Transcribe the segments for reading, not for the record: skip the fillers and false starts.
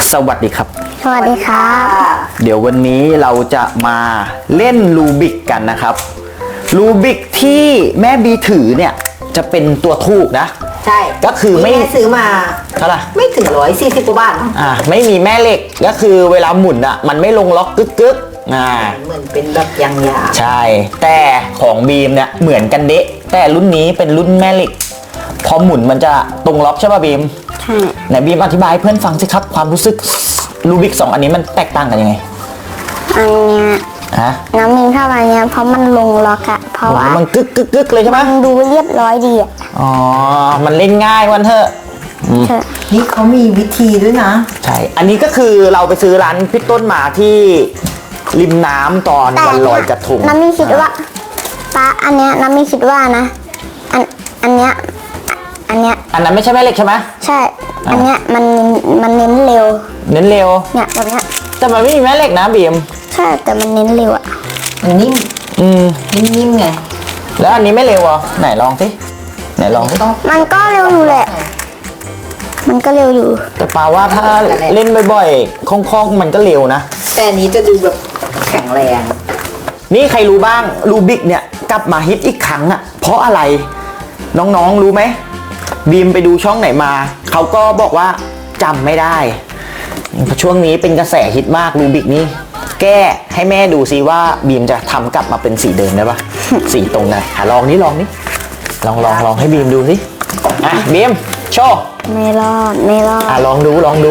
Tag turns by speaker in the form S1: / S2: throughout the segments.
S1: สวัสดีครับ
S2: สวัสดีครับ
S1: เดี๋ยววันนี้เราจะมาเล่นรูบิกกันนะครับรูบิกที่แม่บีถือเนี่ยจะเป็นตัวทูกนะ
S3: ใช่
S1: ก็คือไม่
S3: ซื้อมา
S1: เท่าไหร่
S3: ไม่ถึง140 กว่าบาท
S1: ไม่มีแม่เหล็กก็คือเวลาหมุนอ่ะมันไม่ลงล็อกกึก
S3: เหมือนเป็นแบบยาง
S1: ใช่แต่ของบีมเนี่ยเหมือนกันเดะแต่รุ่นนี้เป็นรุ่นแม่เหล็กพอหมุนมันจะตรงล็อกใช่ป่ะบีม
S2: ใช่
S1: ไหนบีมอธิบายให้เพื่อนฟังสิครับความรู้สึกรูบิก2อันนี้มันแตกต่างกันยังไง
S2: อันเนี้ยน้ำมินเข้ามาเนี้ยเพราะมันลงล็อกอะเพราะว่า
S1: มันกึกเลยใช่ไหม
S2: มันดูเรียบร้อยดีอะ
S1: อ๋อมันเล่นง่ายวันเถอะ
S3: นี่เขามีวิธีด้วยนะ
S1: ใช่อันนี้ก็คือเราไปซื้อร้านพี่ต้นมาที่ริมน้ำตอนวันลอยกระทง
S2: น้ำมินคิดว่าป้าอันเนี้ยน้ำมินคิดว่านะอันเนี้ยอัน
S1: นั้นไม่ใช่แม่เหล็กใช่ไหม
S2: ใช่อันเนี้ยมันเน้นเร็ว
S1: เนี่ย
S2: แบบเนี้ย
S1: แต่มันไม่มีแม่เหล็กนะบีม
S2: ใช่แต่มันเน้นเร็วอะ
S3: มันนิ่มนิ่มไง
S1: แล้วอันนี้ไม่เร็วอ่ะไหนลองสิไหนลองสิ
S2: มันก็เร็วอยู่แหละมันก็เร็วอยู่
S1: แต่ปาว่าถ้าเล่นบ่อยๆคล่องๆมันก็เร็วนะ
S3: แต่อันนี้จะดูแบบแข็งแรง
S1: นี่ใครรู้บ้างรูบิกเนี่ยกลับมาฮิตอีกครั้งอ่ะเพราะอะไรน้องๆรู้ไหมบีมไปดูช่องไหนมาเขาก็บอกว่าจำไม่ได้ช่วงนี้เป็นกระแสฮิตมากรูบิกนี่แก้ให้แม่ดูซิว่าบีมจะทำกลับมาเป็นสีเดิมได้ปะ สีตรงกันลองนี่ลองให้บีมดูสิบีมโชว์
S2: ไม่รอด
S1: ลองดูลอง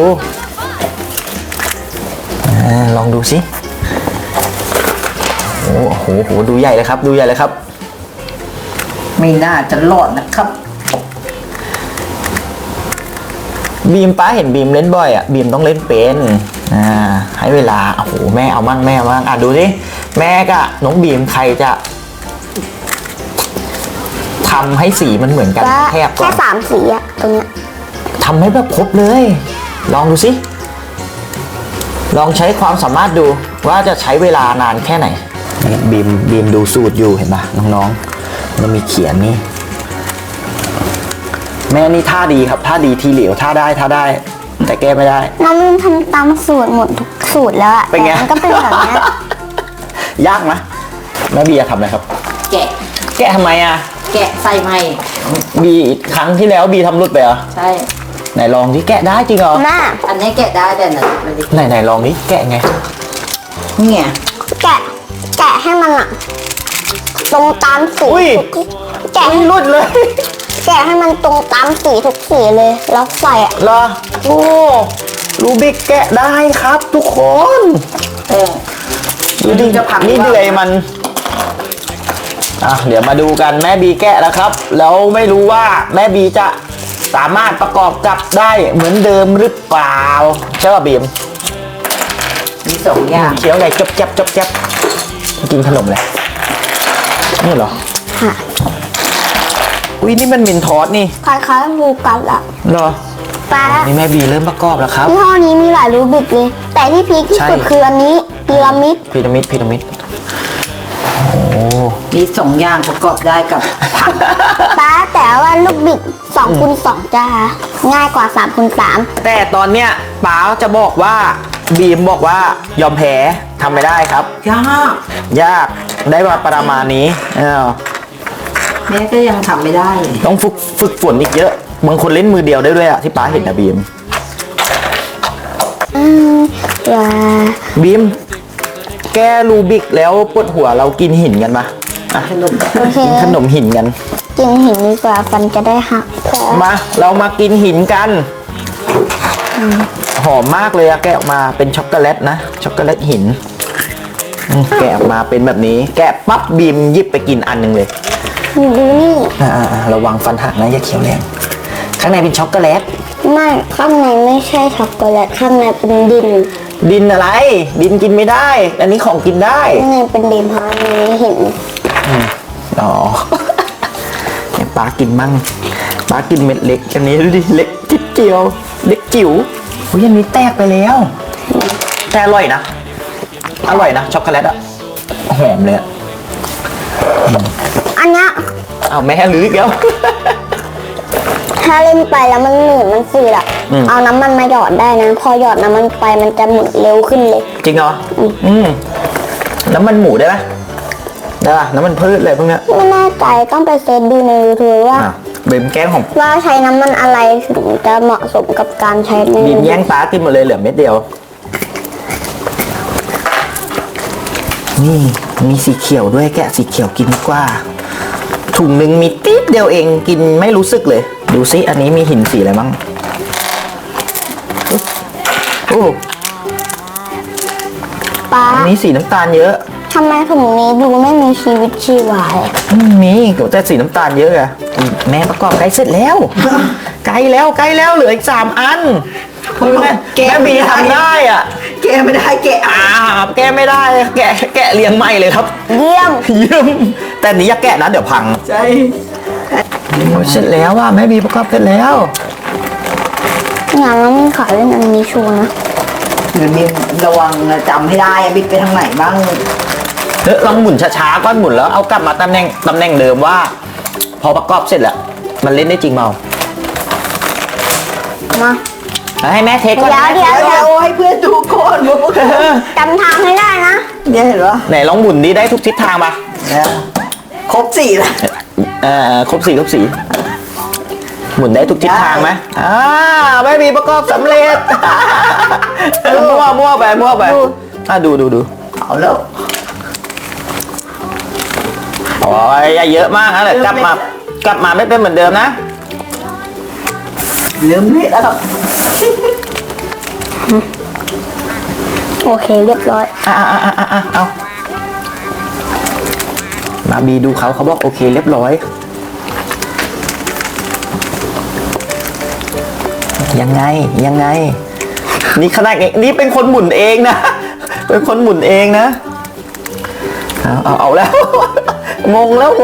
S1: ดูสิโอ้โหดูใหญ่เลยครับ
S3: ไม่น่าจะรอดนะครับ
S1: บีมป้าเห็นบีมเล่นบ่อยอ่ะบีมต้องเล่นเป็นให้เวลาโอ้โหแม่เอามั่งดูสิแม่กับน้องบีมใครจะทำให้สีมันเหมือนกัน
S2: แค่3 สีอะตรงเนี้ย
S1: ทำให้แบบครบเลยลองดูสิลองใช้ความสามารถดูว่าจะใช้เวลานานแค่ไหนบีมดูสูตรอยู่เห็นปะน้องๆมันมีเขียนนี่แม่นี่ท่าดีครับท่าดีทีเหลียวท่าได้แต่แก้ไม่ได้
S2: น้องมินทำตามสูตรหมดทุกสูตรแล้วอะ
S1: เป็นไง
S2: มันก็เป็นแบบนี้
S1: ยากไหมแม่บีทำอะไรครับแกะทำไมอะ
S3: แกะใส่ไม้
S1: บีครั้งที่แล้วบีทำรุดไปเหรอ
S3: ใช่
S1: ไหนลองที่แกะได้จริงเหรอ
S3: อันนี้แกะได้แต่
S1: ไหนลองนี่แกะไง
S3: เนี่ย
S2: แกะให้มันอะตรงตามสี
S1: แกะให้รุดเลย
S2: แกะให้มันตรงตามสีทุกสีเลยแล้วใส่อะ
S1: เหรอโอ้รูบิกแกะได้ครับทุกคนดูดินี่เดือยมันเดี๋ยวมาดูกันแม่บีแกะแล้วครับแล้วไม่รู้ว่าแม่บีจะสามารถประกอบกับได้เหมือนเดิมหรือเปล่าใช่ป่ะบีม
S3: มี2 อย่าง
S1: เคี้ยวไงจับกินขนมเลยนี่เหรอ
S2: ค่ะ
S1: อุ้ยนี่มันมินทอสนี่
S2: คล้ายๆมูกัสอะ
S1: เหรอ
S2: ป้า
S1: นี่แม่บีเริ่มประกอบแล้วครับ
S2: ยี่ห้อนี้มีหลายรูบิกเลยแต่ที่พีคที่สุดคืออันนี้พีระมิด
S1: โอ้
S3: มี2 อย่างประกอบได้กับ
S2: ป้าแต่ว่าลูกบิด2x2จ้าง่ายกว่า3x3
S1: แต่ตอนเนี้ยป้าจะบอกว่าบีมบอกว่ายอมแพ้ทำไม่ได้ครับยากได้มาประมาณนี้
S3: แม่ก็ยังทำไม่ได้
S1: ต้องฝึกฝนอีกเยอะบางคนเล่นมือเดียวได้ด้วยอะที่ป้าเห็นนะบีมบีมแกรูบิกแล้วปวดหัวเรากินหินกันปะกินขนมหินกัน
S2: กินหินดีกว่าฟันจะได้หัก
S1: มาเรามากินหินกันหอมมากเลยอะแกะออกมาเป็นช็อกโกแลตนะช็อกโกแลตหินแกะออกมาเป็นแบบนี้แกะปั๊บบีมหยิบไปกินอันนึงเลย
S2: ดูนี่
S1: ระวังฟันหักนะอย่าเคี้ยวแรงข้างในเป็นช็อกโกแลต
S2: ไม่ข้างในไม่ใช่ช็อกโกแลตข้างในเป็น
S1: ดินอะไรดินกินไม่ได้อันนี้ของกินได้
S2: ข้างในเป็นดินเพราะนี้เห็น
S1: เนี่ยป้ากินมั่งป้ากินเม็ดเล็กอันนี้ดูดิเล็กจิ๊บเจียวเล็กจิ๋วอันนี้แตกไปแล้วแต่อร่อยนะช็อกโกแลตอะหอมเลย
S2: อันเนี้ย
S1: แม่หรืออีกแล้ว
S2: ถ้าเล่นไปแล้วมันหนืดมันฝืดอะเอาน้ำมันมาหยอดได้นะ พอหยอดน้ำมันไปมันจะหมุนเร็วขึ้นเลย
S1: จริงเหรอน้ำมันหมูได้ไหมได้ป่ะน้ำมันพืชอะไรพวกเนี้ย
S2: ไม่แน่ใจต้องไปเซิร์ชดูใน YouTube ว่า
S1: เบมแกล้งของ
S2: ว่าใช้น้ำมันอะไรถึงจะเหมาะสมกับการใช้ใน
S1: บีมแย่งป้ากินหมดเลยเหลือเม็ดเดียวนี่มีสีเขียวด้วยแกะสีเขียวกินดีกว่าถุงหนึ่งมีติ๊บเดียวเองกินไม่รู้สึกเลยดูซิอันนี้มีหินสีอะไรมั้งโอ้
S2: ป้า
S1: อันนี้สีน้ำตาลเยอะ
S2: ทำไมถุงนี้ดูไม่มีชีวิตชีวาเลย
S1: มีแต่สีน้ำตาลเยอะอะแม่ประกอบใกล้เสร็จแล้ว ใกล้แล้วเหลืออีก3 อันแม่บีทำได้อ่ะ
S3: แกะไม่ได้แกะ
S1: แกะไม่ได้แกะเรียงใหม่เลยครับ
S2: เยี่ยม
S1: เยี่ยมแต่นี้อย่าแกะนะเดี๋ยวพัง
S3: ใช่
S1: เสร็จแล้วว่าแม่บีประกอบเสร็จแล้ว
S2: งานเราไม่ขายเล่นอันนี้ชัวร์นะ
S3: หรือมีระวังนะจำให้ได้บิดไปทางไหนบ้าง
S1: ลองหมุนช้าๆก้อนหมุนแล้วเอากลับมาตำแหน่งเดิมว่า พอประกอบเสร็จแล้วมันเล่นได้จริงเปล่า
S2: มา
S1: ให้แม่เทสก่อน
S2: เดี๋ยว
S3: เดี๋ยวให้เพื่อนดูก่อนว่าพวก
S2: จำทางให้ได้นะ
S3: เนี่ยเห็นปะ
S1: ไหนลองหมุนดีได้ทุกทิศทางปะ
S3: เนี่ยครบ4แล้ว
S1: ครบสีหมุนได้ทุกทิศทางไหมไม่มีประกอบสำเร็จ มั่วไปดู
S3: เอาแล้ว
S1: โอ้ยอย่าเยอะมากนะเดี๋ยวกลับมาไม่เป็นเหมือนเดิมนะ
S3: เริ่มเละแล้วครับ
S2: โอเคเรียบร้อย
S1: เอามาบีดูเขาบอกโอเคเรียบร้อยยังไงนี่ขนาดนี่เป็นคนหมุนเองนะ เป็นคนหมุนเองนะเอาแล้ว งงแล้ว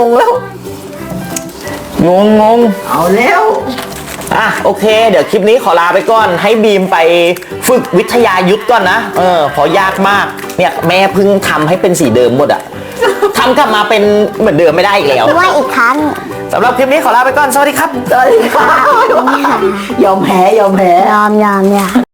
S1: งง
S3: เอาแล้ว
S1: โอเค เดี๋ยวคลิปนี้ขอลาไปก่อนให้บีมไปฝึกวิทยายุทธก่อนนะเพอยากมากเนี่ยแม่เพิ่งทำให้เป็นสีเดิมหมดอะทำกลับมาเป็นเหมือนเดิมไม่ได้อีกแล้ว
S2: ด้วยอีกครั้ง
S1: สำหรับคลิปนี้ขอลาไปก่อนสวัสดีครับ
S3: ยอมแพ้
S2: ยอม